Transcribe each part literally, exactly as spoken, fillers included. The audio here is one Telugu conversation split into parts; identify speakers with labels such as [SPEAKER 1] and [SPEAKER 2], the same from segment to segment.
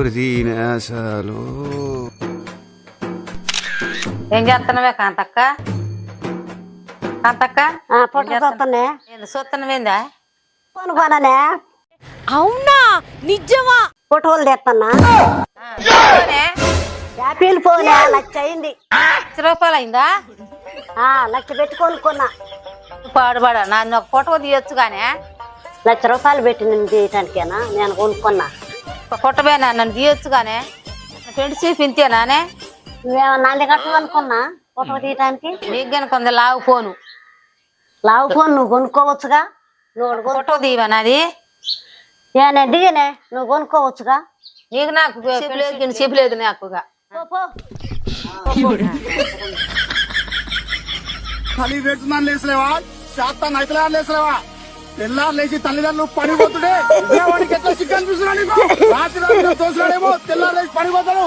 [SPEAKER 1] దీనేశాలు
[SPEAKER 2] ఏం చేస్తున్నావే కాంతక్క? కాంతక్క
[SPEAKER 3] పొట్టనే
[SPEAKER 2] చూస్తున్నావేందా?
[SPEAKER 3] కొనుక్కోననే.
[SPEAKER 4] అవునా నిజమా?
[SPEAKER 3] ఫోటోలు తెస్తున్నా. యాపిల్ ఫోనే లక్ష అయింది.
[SPEAKER 2] లక్ష రూపాయలు అయిందా?
[SPEAKER 3] లక్ష పెట్టి కొనుక్కున్నా.
[SPEAKER 2] పాడుబడ నన్ను ఒక ఫోటో తీయొచ్చు గానే.
[SPEAKER 3] లక్ష రూపాయలు పెట్టి నేను తీయటానికేనా నేను కొనుక్కున్నా.
[SPEAKER 2] ఒక ఫోటో పోయినా నన్ను తీయొచ్చు గానే. ఫ్రెండ్షిప్ ఇంతేనానే?
[SPEAKER 3] నువ్వేమన్నా నంది కట్టమనుకున్నా ఫోటో తీయటానికి?
[SPEAKER 2] నీకు కానీ కొంత లావు ఫోను.
[SPEAKER 3] లావు ఫోన్ నువ్వు కొనుక్కోవచ్చుగా. నువ్వు
[SPEAKER 2] ఫోటో తీయవా నాది?
[SPEAKER 3] నేనే దిగనే నువ్వు కొనుక్కోవచ్చుగా.
[SPEAKER 2] నీకు నాకు చెప్పలేదు చెప్పలేదు నాకుగా.
[SPEAKER 5] తల్లి పెడుతున్నాను లేసలేవా? శాతం అయితే లేసలేవా? తెల్లారు లేచి తల్లిదండ్రులు పడిపోతుండే వాడికి ఎట్లా సిగ్గు అనిపిస్తున్నా నీకు? రాత్రి రాత్రి తోసినాడేమో తెల్లారు లేచి పడిపోతాడు.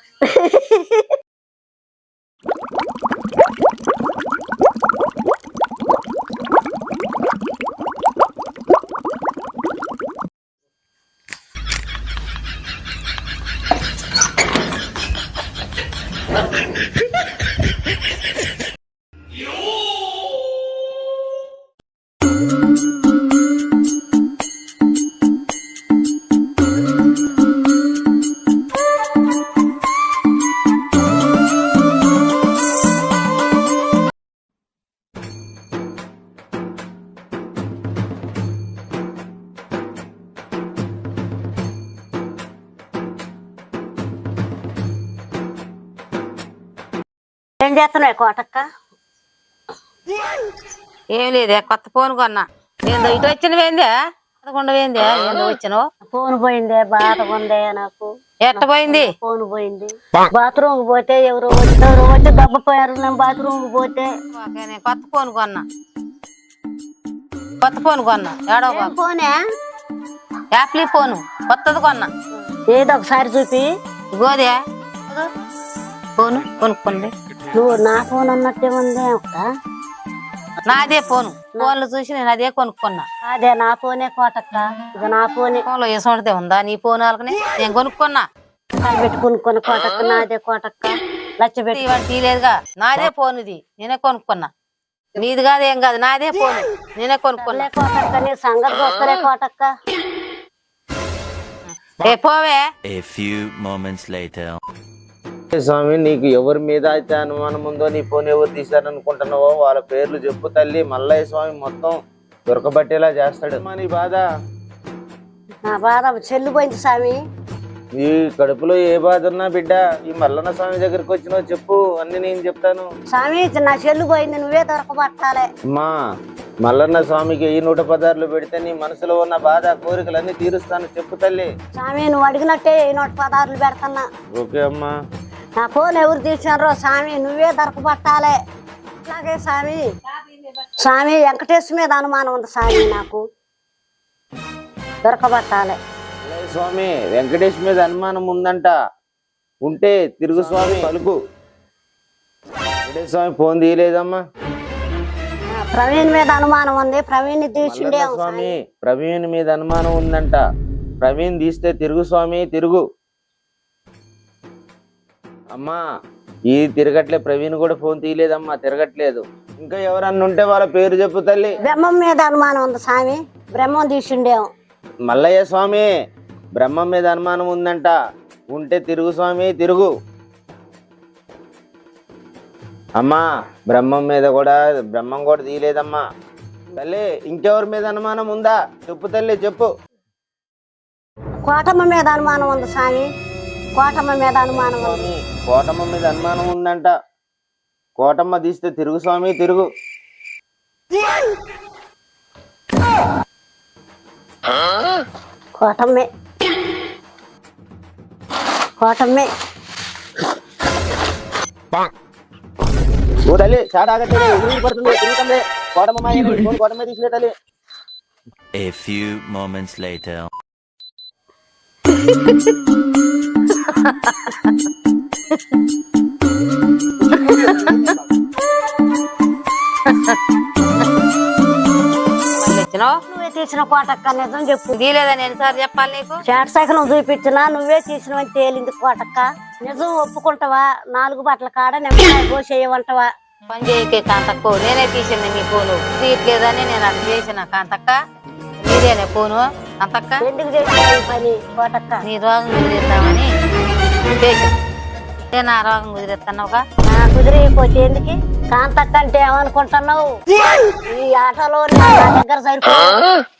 [SPEAKER 3] ఏం చేస్తున్నావు కోటక్క?
[SPEAKER 2] ఏం లేదే, కొత్త ఫోన్ కొన్నా. ఏందో ఇటు వచ్చినవేందే? పదకొండు పోయిందే. ఏందో వచ్చినావు?
[SPEAKER 3] ఫోన్ పోయిందే, బాధ ఉందే నాకు.
[SPEAKER 2] ఎట్ట పోయింది?
[SPEAKER 3] ఫోన్ పోయింది. బాత్రూమ్ పోతే ఎవరు వచ్చి ఎవరు వచ్చి దెబ్బపోయారు. నేను బాత్రూమ్ పోతే
[SPEAKER 2] నేను కొత్త ఫోన్ కొన్నా. కొత్త ఫోన్ కొన్నా. ఏడో
[SPEAKER 3] ఫోనే
[SPEAKER 2] యాప్లీ ఫోను కొత్తది కొన్నా.
[SPEAKER 3] ఏదో ఒకసారి చూపి.
[SPEAKER 2] గోదే ఫోను కొనుక్కోండి.
[SPEAKER 3] నువ్వు నా ఫోన్ అన్నట్టే ఉంది అక్క.
[SPEAKER 2] నాదే ఫోను. ఫోన్లు చూసి నేను అదే కొనుక్కున్నా.
[SPEAKER 3] అదే నా ఫోనే కోటక్క. ఇది నా ఫోనే.
[SPEAKER 2] ఫోన్ లో వేసుకుంటే ఉందా నీ ఫోన్? వాళ్ళకని నేను కొనుక్కున్నా.
[SPEAKER 3] పెట్టి కొనుక్కున్న కోటక్క. నాదే కోటక్క. లచ్చ పెట్టి
[SPEAKER 2] ఇవన్నీ తీయలేదుగా. నాదే ఫోన్ ఇది. నేనే కొనుక్కున్నా. నీది కాదు ఏం కాదు, నాదే ఫోన్. నేనే కొనుక్కున్నా.
[SPEAKER 3] కోటక్క నీ సంగతి గొప్పలే కోటక్క.
[SPEAKER 2] ఏ పోవే.
[SPEAKER 6] A few moments later.
[SPEAKER 7] స్వామి, నీకు ఎవరి మీద అయితే అనుమానం ఉందో, నీ ఫోన్ ఎవరు తీశారనుకుంటున్నావో వాళ్ళ పేర్లు చెప్పు తల్లి. మల్లయ్య స్వామి మొత్తం దొరకబట్టేలా చేస్తాడు. నీ బాధ?
[SPEAKER 3] నా బాధ చెల్లు పోయింది స్వామి.
[SPEAKER 7] ఈ కడుపులో ఏ బాధ ఉన్నా బిడ్డ ఈ మల్లన్న స్వామి దగ్గరికి వచ్చినావు చెప్పు, అన్ని నేను చెప్తాను.
[SPEAKER 3] స్వామి నా చెల్లు పోయింది, నువ్వే దొరకబట్టాలే.
[SPEAKER 7] అమ్మా, మల్లన్న స్వామికి ఈ నూట పదార్లు పెడితే నీ మనసులో ఉన్న బాధ కోరికలన్నీ తీరుస్తాను చెప్పు తల్లి.
[SPEAKER 3] స్వామి నువ్వు అడిగినట్టే ఈ నూట పదార్లు పెడతాన్నా.
[SPEAKER 7] ఓకే అమ్మా.
[SPEAKER 3] నా ఫోన్ ఎవరు తీసినారో స్వామి నువ్వే దొరకబట్టాలే. అట్లాగే స్వామి. స్వామి వెంకటేశ్వర మీద అనుమానం ఉంది స్వామి, నాకు దొరకబట్టాలే.
[SPEAKER 7] స్వామి వెంకటేష్ మీద అనుమానం ఉందంట. ఉంటే తిరుగు స్వామి పలుకు. వెంకటేష్ స్వామి ఫోన్ తీయలేదమ్మా.
[SPEAKER 3] ప్రవీణ్ మీద అనుమానం ఉంది. ప్రవీణ్ తీసిండే
[SPEAKER 7] స్వామి. ప్రవీణ్ మీద అనుమానం ఉందంట. ప్రవీణ్ తీస్తే తిరుగు స్వామి తిరుగు. అమ్మా ఈ తిరగట్లే. ప్రవీణ్ కూడా ఫోన్ తీయలేదమ్మా, తిరగట్లేదు. ఇంకా ఎవరన్నా ఉంటే వాళ్ళ పేరు చెప్పు తల్లి.
[SPEAKER 3] బ్రహ్మం మీద అనుమానం ఉంది స్వామి. బ్రహ్మం తీసిండేమో.
[SPEAKER 7] మల్లయ్య స్వామి బ్రహ్మం మీద అనుమానం ఉందంట. ఉంటే తిరుగు స్వామి తిరుగు. అమ్మా బ్రహ్మం మీద కూడా బ్రహ్మం కూడా తీయలేదమ్మా తల్లి. ఇంకెవరి మీద అనుమానం ఉందా చెప్పు తల్లి చెప్పు.
[SPEAKER 3] కోటమ్మ మీద అనుమానం ఉంది స్వామి. కోటమ్మ మీద అనుమానం ఉంది.
[SPEAKER 7] కోటమ్మ మీద అనుమానం ఉందంట. కోటమ్మ తీస్తే తిరుగు స్వామి తిరుగు.
[SPEAKER 3] కోటమ్మే కోటమ్మే.
[SPEAKER 7] ఓ తల్లి చాట ఆగట్లేదు, ఎదురు పడుతుంది, తిరుగుతుంది. కోటమ్మ కోటమ్మ తీసిలే తల్లి.
[SPEAKER 6] A few moments later.
[SPEAKER 2] వచ్చినావు?
[SPEAKER 3] నువ్వే తీసిన కోటక్క నిజం చెప్పు.
[SPEAKER 2] తీలేదని ఎన్నిసార్లు చెప్పాలి నీకు?
[SPEAKER 3] చాట్ సైకిల్ చూపించినా నువ్వే తీసినవని తేలింది కోటక్క. నిజం ఒప్పుకుంటావా? నాలుగు బట్టల కాడ నిమ్మకాయ కోసేయమంటావా?
[SPEAKER 2] పని చేయకే కాంతక్క, నేనే తీసింది మీ ఫోను. తీయట్లేదని నేను అట్లా చేసిన కాంతక్క. మీరేనే ఫోను కాంతక్క?
[SPEAKER 3] ఎందుకు చేసిన ఈ పని కోటక్క?
[SPEAKER 2] నీ రోగం కుదిరిద్దామని చేసిన. నా రోగం కుదిరిస్తున్నావుగా?
[SPEAKER 3] నా కుదిరిపోతే ఎందుకు కాంతక్క అంటే ఏమనుకుంటున్నావు? ఈ ఆటలో నా దగ్గర సరిపో